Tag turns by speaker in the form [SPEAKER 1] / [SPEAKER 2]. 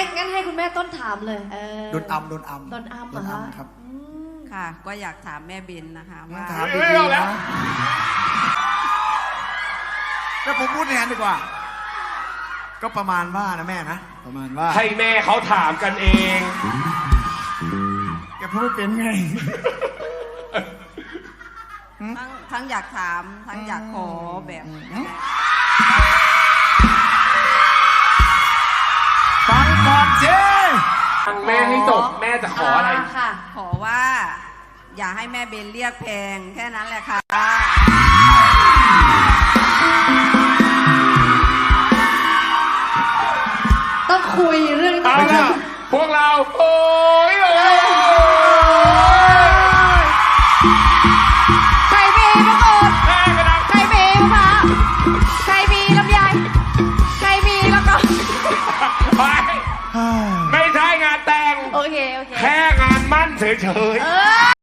[SPEAKER 1] ให้คุณแม่ต้นถามเลย
[SPEAKER 2] โดนอัมครับ
[SPEAKER 3] ค่ะก็อยากถามแม่เบนนะคะว่า
[SPEAKER 2] ถามดีๆนะแล้วผมพูดในนั้นดีกว่าก็ประมาณว่านะแม่นะประมาณว่า
[SPEAKER 4] ให้แม่เขาถามกันเอง
[SPEAKER 2] แกพูดไม่เป็นไง
[SPEAKER 3] ทั้งอยากถามทั้งอยากขอแบบ
[SPEAKER 2] ฟังก่อนสิ
[SPEAKER 4] ฟังแม่ให้จบแม่จะขออะไร
[SPEAKER 3] ขอว่าอย่าให้แม่เบนเรียกแพงแค่นั้นแหละค่ะ
[SPEAKER 1] ต้องคุยเรื่อง
[SPEAKER 4] เอาล่ะพวกเราโอ้ย
[SPEAKER 1] ใครมีมะกรูด
[SPEAKER 4] แม่กระดัง
[SPEAKER 1] ใครมีมะพร้าวใครมีลำไยใครมีแล้วก็
[SPEAKER 4] ไม่ใช่งานแต่ง
[SPEAKER 1] โอเค
[SPEAKER 4] แค่งานมั่นเฉยๆ